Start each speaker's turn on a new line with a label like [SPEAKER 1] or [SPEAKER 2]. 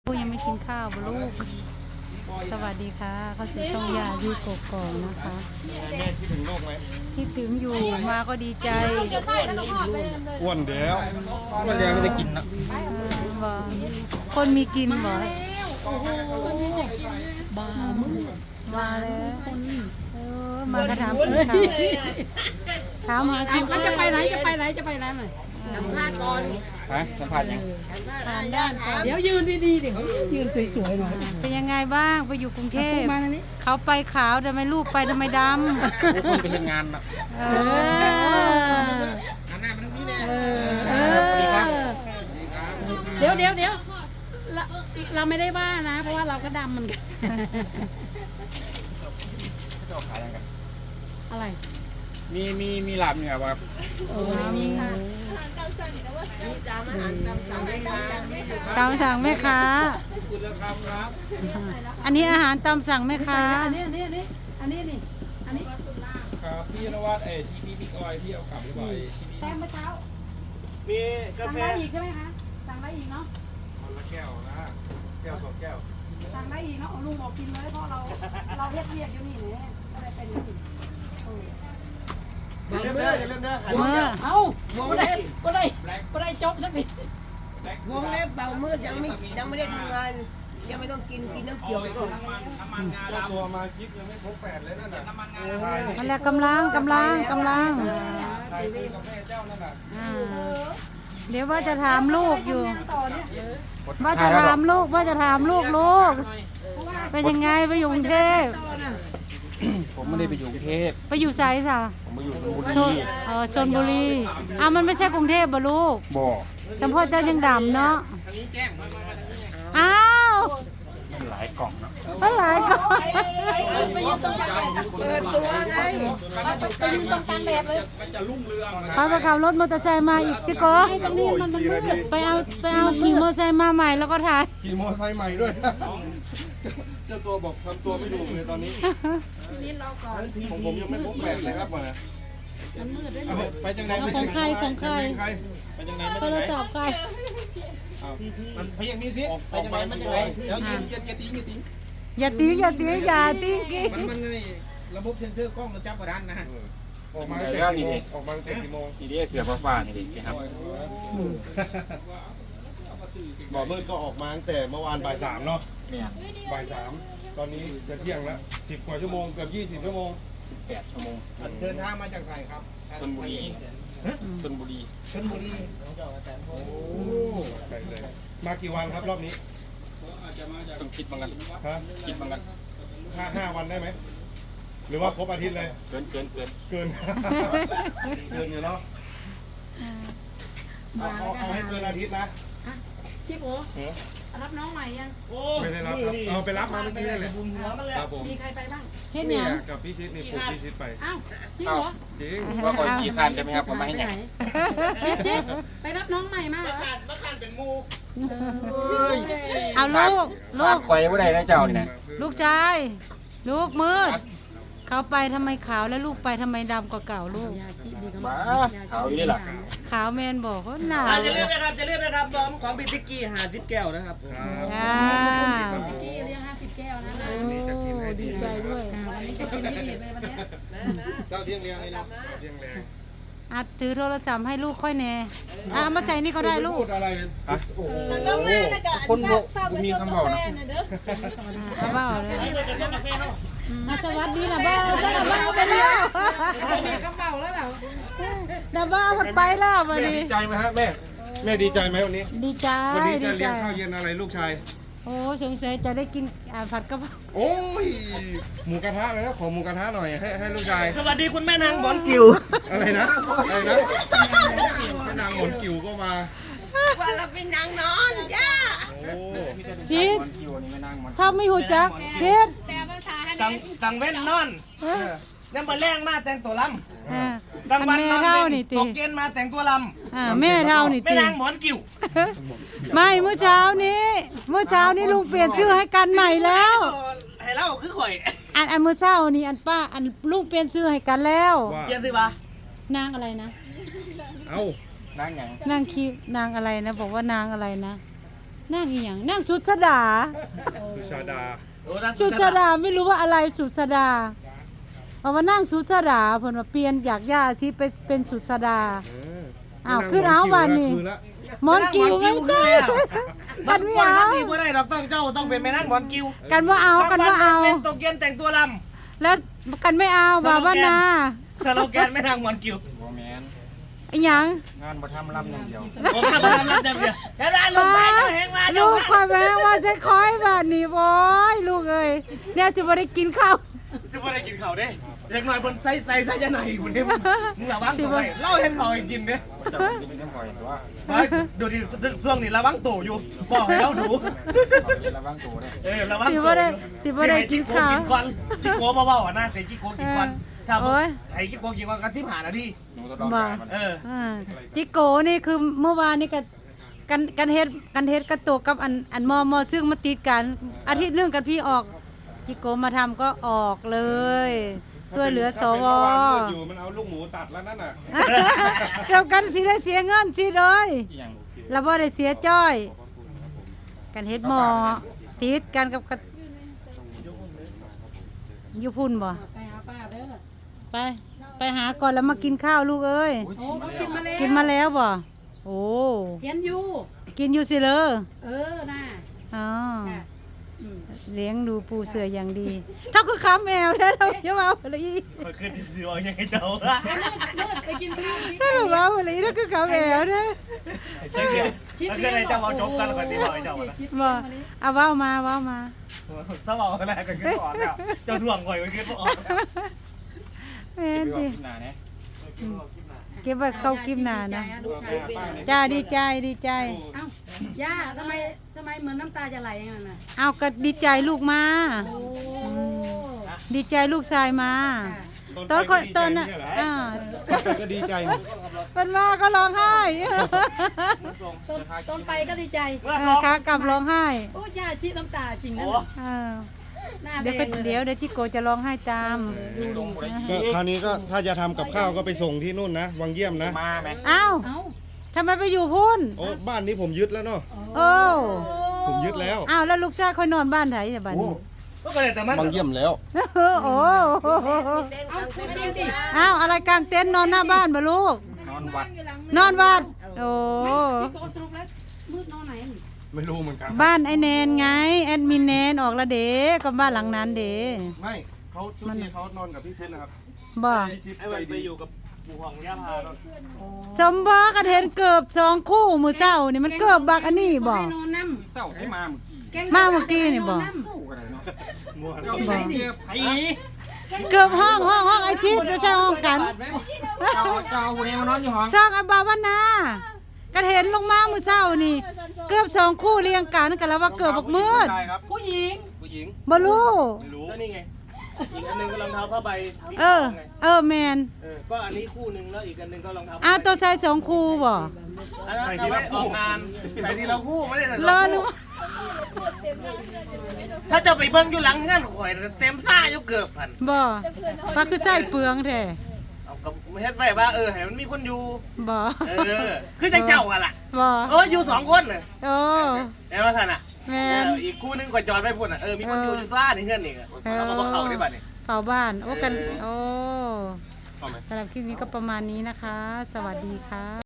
[SPEAKER 1] ผู้ยังไม่กินข้าวบ่ลูกสวัสดีค่ะเข้าสู่ช่องยาที่กกอกนะคะ
[SPEAKER 2] แม่คิดถึงโลกไหม
[SPEAKER 1] คิดถึงอยู่มาก็ดีใจ
[SPEAKER 2] อ้วนเดี๋ยว
[SPEAKER 3] มันยังไม่ได้กินนะ
[SPEAKER 1] บ่คนมีกินบ่บ้ามึงมาแล้วมากระถามกินข้าวถามหากิน
[SPEAKER 4] มันจะไปไหนจะไปไหนจะไปไหนหน่อย
[SPEAKER 3] ฮะสัมผัสยัง
[SPEAKER 4] เดี๋ยวยืนดีๆเดี๋ยวยืนสวยๆหน่อย
[SPEAKER 1] เป็นยังไงบ้างไปอยู่กรุงเทพ
[SPEAKER 4] มาทางนี้
[SPEAKER 1] เขาไปขาวทำไมลูกไปทำไมดำ
[SPEAKER 3] ทุกคนไปเห็นงานนะ
[SPEAKER 4] หันหน้ามาทางนี้แน่เดี๋ยวเราไม่ได้ว่านะ เพราะว่าเราก็ดำเหมือนกัน
[SPEAKER 3] จะขายยังกัน
[SPEAKER 4] อะไร
[SPEAKER 3] มีหลับเนี่ยครับ
[SPEAKER 4] มีค่ะ
[SPEAKER 1] ตามสั่งแม่ค้าอันนี้อาหารตามสั่งแม่ค้า
[SPEAKER 4] อันนี้นี่
[SPEAKER 3] ครับพี่นวัดที่พี่ก้อยพี่เอากลับหรือเปล่าที่นี่
[SPEAKER 4] แต้มเมื่อเช้า
[SPEAKER 2] มีกา
[SPEAKER 4] สั่ง
[SPEAKER 2] แฟ
[SPEAKER 4] ได้อีกใช่ไหมคะสั่งได้อีกเนาะ
[SPEAKER 2] คนละแก้วนะแก้วสองแก้ว
[SPEAKER 4] สั่งได้อีกเนาะลุงบอกกินเลยเพราะเราเรียกอยู่นี่เนี่ยก็เลยเป็นอย่างนี้
[SPEAKER 2] เริ่มเด้อเริ่มเด้อ
[SPEAKER 1] เมื่อ
[SPEAKER 4] เอ้าก็ได้จบสักที
[SPEAKER 5] วงเล็บเบามืดยังไม่ได้ทำงานยังไม่ต้องกินน้ำเขียวไปก่อน
[SPEAKER 2] เจ้าตัวมาคลิปยังไม่ครบ8เลยนั่นน่ะ
[SPEAKER 1] มันแหละกำลัง
[SPEAKER 2] ถ่ายคุยกับแม่เจ้านั่นน่ะ
[SPEAKER 1] อ่าเดี๋ยวว่าจะถามลูกอยู่
[SPEAKER 4] ต่อเนี่ย
[SPEAKER 1] ว่าจะถามลูกลูกเป็นยังไงไปอยู่กรุงเทพ
[SPEAKER 3] ผมไม่ได้ไปอยู่กรุงเทพ
[SPEAKER 1] ไปอยู่ไสซะ
[SPEAKER 3] ผมไปอยู่ชลบุ
[SPEAKER 1] ช
[SPEAKER 3] รี
[SPEAKER 1] ชนบุรีมันไม่ใช่กรุงเทพบ่ลูก
[SPEAKER 3] บ่อ
[SPEAKER 1] จำพ่อเจ้ายังดำเนาะอ้าว
[SPEAKER 3] หลายกล่องนะ
[SPEAKER 1] มันหลายก่อน
[SPEAKER 4] ไปยืนตรงกลาง
[SPEAKER 5] เปิดตัวไง
[SPEAKER 4] ไปยืนตรงกลางแบบเลย
[SPEAKER 1] เขาไปขับรถมอเตอร์ไซค์มาอีกจิโก้
[SPEAKER 2] โอ้ย4 นาที
[SPEAKER 1] ไปเอาขี่มอเตอร์ไซค์มาใหม่แล้วก็ถ่าย
[SPEAKER 2] ขี่มอไซค์ใหม่ด้วยเจ้าตัวบอกทำตัวไม่ถูกเลยตอนนี้ของผมยังไม่ครบ8เลยครับมาไปจังไหนไปจังไหนไปจังไหน
[SPEAKER 1] โทรศัพท์ใคร
[SPEAKER 2] มันไปยังมีสิไปจังไหนมันจังไหนเดี๋ยวอย่าตี
[SPEAKER 1] อย่าตีกิ๊ก
[SPEAKER 3] มันนี่ระบบเซ็นเซอร์กล้องมันจับกระดานนะ
[SPEAKER 2] ออกมาตั้งแต่กี่โมงออกมาตั้งแต่กี่โมง
[SPEAKER 3] นี่ดิเสือฟ้านี่ดิครับ
[SPEAKER 2] บ่อมืดก็ออกมาตั้งแต่เมื่อวานบ่าย3เนาะ
[SPEAKER 3] เนี่ย
[SPEAKER 2] บ่าย3ตอนนี้จะเที่ยงแล้ว10 กว่าชั่วโมงเกือบ20 ชั่วโมง
[SPEAKER 3] 8 ชั่วโมง
[SPEAKER 2] เดินทางมาจากไสครับ
[SPEAKER 3] ชลบุรีชลบุรี
[SPEAKER 2] ชลบุรีโอ้ไปเลยมากี่วันครับรอบนี้
[SPEAKER 3] ต้องคิดบ้างกัน
[SPEAKER 2] ฮะ
[SPEAKER 3] คิดบ้างกัน
[SPEAKER 2] 5 วันได้ไหมหรือว่าครบอาทิตย์เลย
[SPEAKER 3] เกิน
[SPEAKER 2] เกิน เกินอยู่เนาะเอาให้เกินอาทิตย์นะ
[SPEAKER 4] พี่โอรับน้องใหม่ยัง
[SPEAKER 2] ไม่ได้รับครับเอาไปรับมาเมื่อกี้นี่แหละครับผม
[SPEAKER 4] มีใครไปบ้าง
[SPEAKER 1] เฮ็ดห
[SPEAKER 2] เนี่
[SPEAKER 1] ยั
[SPEAKER 2] ย
[SPEAKER 1] ง
[SPEAKER 2] กับพี่ชิดนี่ปลูกพี่ชิดไป
[SPEAKER 4] อ้าวจริงเหรอ
[SPEAKER 2] จริง
[SPEAKER 3] ว่าคนกี่คันใช่ไหมครับผมไม่ให้ไหน
[SPEAKER 4] จิ๊บไปรับน้องใหม่มาเหรอ
[SPEAKER 1] เอาลูก
[SPEAKER 3] ไฟว่าใดนะเจ้านี่นะ
[SPEAKER 1] ลูกชายลูกมืดเขาไปทำไมขาวแล้วลูกไปทำไมดำกว่าเก่าลูก
[SPEAKER 3] บ้าเขาอยู่นี่หรอ
[SPEAKER 1] ขาวแมนบอกเขาหนาว
[SPEAKER 5] จะเลือกนะครับบอมของบิติกี้50 แก้วนะครับ
[SPEAKER 1] อ่า
[SPEAKER 4] กี้เลี้ยง50 แก้วนะ
[SPEAKER 1] โอ้ดีใจด้วย
[SPEAKER 4] วันนี้จะกินให้ดีเลยวันนี้
[SPEAKER 2] เจ้าเที่ยงเลี้ยงเลยนะเที่ยงแรง
[SPEAKER 1] ถือโทรศัพท์ให้ลูกค่อยแน่มาใส่นี่ก็ได้ลู
[SPEAKER 2] พู
[SPEAKER 1] ก
[SPEAKER 2] ดอะไรโอ้โห
[SPEAKER 3] คนบอกมีคำบอกนะ
[SPEAKER 1] เอาเบ้าเลยสวัสดีนะเบ้าจ้านะเบ้าไปแล้ว
[SPEAKER 4] มีกระเป๋าแล้วเหรอ
[SPEAKER 1] นะเบ้ามันไปแล้ววัน
[SPEAKER 2] แม่
[SPEAKER 1] นี้
[SPEAKER 2] ดีใจไหมฮะแม่แม่ดีใจไหมวันนี้
[SPEAKER 1] ดีใจ
[SPEAKER 2] วันนี้
[SPEAKER 1] ดี
[SPEAKER 2] จะ
[SPEAKER 1] ใจ
[SPEAKER 2] เลี้ยงข้าวเย็นอะไรลูกชาย
[SPEAKER 1] โอ้สงสัยจะได้กินผัดกะเพรา
[SPEAKER 2] โอ้ยหมูกระทะเลยนะขอหมูกระทะหน่อยให้ลูกชาย
[SPEAKER 5] สวัสดีคุณแม่นางบอลกิว
[SPEAKER 2] อะไรนะแม่นางหมอนกิ๋วก็มา
[SPEAKER 5] ว่าเราเป็นนางนอนย่า
[SPEAKER 2] โอ้
[SPEAKER 1] จิต
[SPEAKER 3] คิวนี่ไม่นั่งมัน
[SPEAKER 1] ถ้าไม่หูจักจิต
[SPEAKER 5] ตังเว้นนอนเนี่ยมาแรงมาแต่งตัวลำ
[SPEAKER 1] อันแม่เท่านี่
[SPEAKER 5] ต
[SPEAKER 1] ติ
[SPEAKER 5] กเย็นมาแต่งตัวล
[SPEAKER 1] แม่เท่านี่
[SPEAKER 5] ำแม่
[SPEAKER 1] ติ
[SPEAKER 5] นางหมอนกิว
[SPEAKER 1] ไม่เมื่อเช้านี้ลุงเปลี่ยนชื่อให้กันใหม่แล้ว
[SPEAKER 5] ให้เล่าคือข่อย
[SPEAKER 1] อันเมื่อเช้านี่อันป้าอันลุงเปลี่ยนชื่อให้กันแล้ว
[SPEAKER 2] ว่า
[SPEAKER 5] เย็นสิปะ
[SPEAKER 1] นางอะไรนะ
[SPEAKER 2] เอ้า
[SPEAKER 3] นั่งอย่าง
[SPEAKER 1] นางอะไรนะบอกว่านางอะไรนะนั่งอีหยังนั่งสุดสดา
[SPEAKER 3] สุชาดา
[SPEAKER 1] สุดสดาไม่รู้ว่าอะไรสุดสดาเอามานั่งสุดสดาเพิ่นว่าเปลี่ยนจากย่าที่ไปเป็นสุดสดาอ้าวขึ้นเอาวันนี้มอนกิวไม่ใช่กันไม่เอา
[SPEAKER 6] นี่บ่ได้ดอกต้องเป็นแม่นั่งบอลกิว
[SPEAKER 1] กันว่าเอากันว่าเอา
[SPEAKER 6] เป็นตกเย็นแต่งตัวล
[SPEAKER 1] แล้วกันไม่เอาบ่าวบ้านนา
[SPEAKER 6] ำสโลแกนแม่นั่งบอลกิว
[SPEAKER 3] โมแมน
[SPEAKER 1] ไอ้หยัง
[SPEAKER 3] งานบ่ทำลำอย่างเดียว
[SPEAKER 6] ผมทำมาแล้วเดี๋ยวแล้วได้ลงไปเจ้าแหงมา
[SPEAKER 1] ลูกคอยแม่ว่าจะคอยแบบนี้โว้ยลูกเอ้ยเนี่ยจะไม่ได้กินข้าว
[SPEAKER 6] จะไม่ได้กินข้าวเด้เด็กน้อยบนไซจะไหนกูเนี่ยมึงระวังตัวไปเล่าเห็นเขาให้กินเด้
[SPEAKER 3] จะไม่ได้ปล่อยตัว
[SPEAKER 6] ดูดิช่วงนี้ระวังตัวอยู่บอกให้เราดู
[SPEAKER 3] ระวังตัวเลย
[SPEAKER 6] ระวัง
[SPEAKER 1] สิ
[SPEAKER 6] ตัว
[SPEAKER 1] บ่ได้สิบ่ได้กินข้าว
[SPEAKER 6] กินก่อนจิโก้เบาๆอ่ะนะแต่จิโก้กินก่อนถ้า
[SPEAKER 1] โอ้ย
[SPEAKER 6] ไอ้จิโก้กินก่อนกันที่ผ่านนะที่
[SPEAKER 3] หนูทดลองการมัน
[SPEAKER 1] จิโกนี่คือเมื่อวานนี่กันเฮ็ดกระตุกกับอันมอซึ่งมาติดกันอาทิตย์นึงกันพี่ออกจิโกมาทำก็ออกเลยช่วยเหลือสว
[SPEAKER 2] อยู่มันเอาลูกหมูตัดแล้วนั่นน่ะ
[SPEAKER 1] เกี่ยวกันสิได้เสียเงินสิเลย
[SPEAKER 3] อย่าง
[SPEAKER 1] แล้วบ่ได้เสียจ้อย กันเฮ็ดหมอติดกันกับอยู่พุ่นบ่
[SPEAKER 4] ไปหาป้าเด้อ
[SPEAKER 1] ไปหาก่อนแล้วมากินข้าวลูกเอ้ย
[SPEAKER 4] โอ้เขากินมาแล้ว
[SPEAKER 1] กินมาแล้วบ่โอ้
[SPEAKER 4] เห็นอยู่
[SPEAKER 1] กินอยู่สิเลย
[SPEAKER 4] น่ะ
[SPEAKER 1] อ๋อ
[SPEAKER 4] ค่ะอืม
[SPEAKER 1] เลี้ยงดูปูเสืออย่างดีเท่าคือคำแอวได้เราเยาเอาเลยอี
[SPEAKER 6] มันขึ้นสิว่ายังไงเจ้า
[SPEAKER 4] มืดไปกินข้าว
[SPEAKER 1] ถ้าเราเอาเลยเท่าคือคำแอวได้
[SPEAKER 6] เจ้าเกี่ยวแล้วก็เลยเจ้าเอาจบกันแล้วก็ที่บอกเจ้า
[SPEAKER 1] บ่เอาเว้ามา
[SPEAKER 6] ถ้าบอกกันแล้วก็ขึ้นออกแล้วเจ้าถ่วงก่อยก็ขึ้นออก
[SPEAKER 1] แม่น
[SPEAKER 3] ไป
[SPEAKER 1] ดิ
[SPEAKER 3] กินหนาเนี่ย
[SPEAKER 1] เก็บไว้เข้ากิมหนานะ
[SPEAKER 4] ลูกชายเป็น
[SPEAKER 1] จ้าดีใจ
[SPEAKER 4] เอ้าย่าทำไมเหมือนน้ำตาจะไหลอย่างนั้นน่ะ
[SPEAKER 1] เอาก็ดีใจลูกมา
[SPEAKER 4] โอ้
[SPEAKER 1] ดีใจลูกชายมา
[SPEAKER 2] ตอนน่ะ
[SPEAKER 1] อ่า
[SPEAKER 2] ก็ดีใจนี่
[SPEAKER 1] เป็นมาก็ร้องไห้
[SPEAKER 4] ต้นไปก็ดีใจ
[SPEAKER 1] ขากลับร้องไห้
[SPEAKER 4] โอ้ย่าชี้น้ำตาจริงนะ
[SPEAKER 1] อ่า
[SPEAKER 4] หน้าแด
[SPEAKER 1] เดี๋ยวก็
[SPEAKER 4] งเลย
[SPEAKER 1] เดี๋ยวจิโกจะร้องไห้ตาม
[SPEAKER 2] ก็คราวนี้ก็ถ้าจะทำกับข้าวก็ไปส่งที่นู่นนะวังเยี่ยมนะ
[SPEAKER 3] มาไหม
[SPEAKER 1] อ้าว
[SPEAKER 4] เอ้า
[SPEAKER 1] ทำไมไปอยู่พุ่น
[SPEAKER 2] โอ้บ้านนี้ผมยึดแล้วเนาะ
[SPEAKER 1] โอ้
[SPEAKER 2] ผมยึดแล้ว
[SPEAKER 1] อ้าวแล้วลูกชายคอยนอนบ้านไหนเนี่ยบ้านนี้
[SPEAKER 6] ก็เลยแต่มัน
[SPEAKER 2] วังเยี่ยมแล้ว
[SPEAKER 1] โอ้
[SPEAKER 4] เอาพูดจริงดิ
[SPEAKER 1] อ้าวอะไรกลางเต็นท์นอนหน้าบ้านบ่ลูก
[SPEAKER 3] นอนวัด
[SPEAKER 1] นอนวัดโอ้
[SPEAKER 4] พี่โกสรุปแล้วมืดนอนไหน
[SPEAKER 3] ไม่รู้เหมือนกัน
[SPEAKER 1] บ้านไอแนนไงแอดมินแนนออกและเด้ก็บ้านหลังนั้นเด้
[SPEAKER 2] ไม่เขาทุกทีเขานอนกับพี่เซนนะครับ
[SPEAKER 1] บ่
[SPEAKER 6] ไอ้วันไปอยู่กับปู่ของย่าพา
[SPEAKER 1] สมบ่กันเห็นเกือบ2คู่มื้อเช้านี่มันเกือบบักอันนี้บ่
[SPEAKER 4] ให้นอนน้
[SPEAKER 3] เศร้าให้มา
[SPEAKER 4] ำ
[SPEAKER 1] มาเมื่อกี้นี่บ่
[SPEAKER 3] เศร้ากันเลยเนาะ
[SPEAKER 6] ง่วง
[SPEAKER 3] เจ้าไปเจอไผ่
[SPEAKER 1] เกือบห้องไอชิดไม่ใช่ห้องกัน
[SPEAKER 3] เจ้าคนนี้มานอนอยู่ห้อง
[SPEAKER 1] ช่องอบาวนากันเห็นลงมามื้อเช้านี่ เกือบ2คู่เรียงกันกันแล้วว่าเกือบบักมืด
[SPEAKER 6] ใช่ครับ
[SPEAKER 4] ผู้หญิง
[SPEAKER 6] ผู้หญิง
[SPEAKER 1] บ่รู้
[SPEAKER 6] ไม่รู้ก็นี่ไงอีกอันนึงก็รองเท้าผ้าใบ
[SPEAKER 1] แมน
[SPEAKER 6] ก็อันนี้คู่นึงแล้วอีกอันนึงก็รองเท้า
[SPEAKER 1] อ้าวตัวใส่2คู่บ่
[SPEAKER 6] ใส่ทีละคู่งานใส่ทีละคู่ไม่ได้ใส่
[SPEAKER 1] รอ
[SPEAKER 6] สอง
[SPEAKER 1] หรือ
[SPEAKER 6] คู่
[SPEAKER 1] ว่า
[SPEAKER 6] ถ้าจะไปเบิ้งอยู่หลังงานข่อยเต็มซ่าอยู่เกือบพัน
[SPEAKER 1] บ่ว่าคือใส่เปลืองแท้
[SPEAKER 6] เอากับเฮ็ดไว้ว่าให้มันมีคนอยู่
[SPEAKER 1] บ่
[SPEAKER 6] คือจังเจ้ากันล่ะ
[SPEAKER 1] บ่
[SPEAKER 6] อยู่2คนน่ะ
[SPEAKER 1] โอ้
[SPEAKER 6] แต่ว่าท่านอ่ะ
[SPEAKER 1] แม่น
[SPEAKER 6] อีกคู่นึงข่อยจอดไว้พุ่นน่ะมีคนอยู่ซ่าในเฮือนนี่เอามาเข้าได้บัดนี้
[SPEAKER 1] เฝ้าบ้านโอ้กันโอ้สำหรับคลิปนี้ก็ประมาณนี้นะคะ สวัสดีค่ะ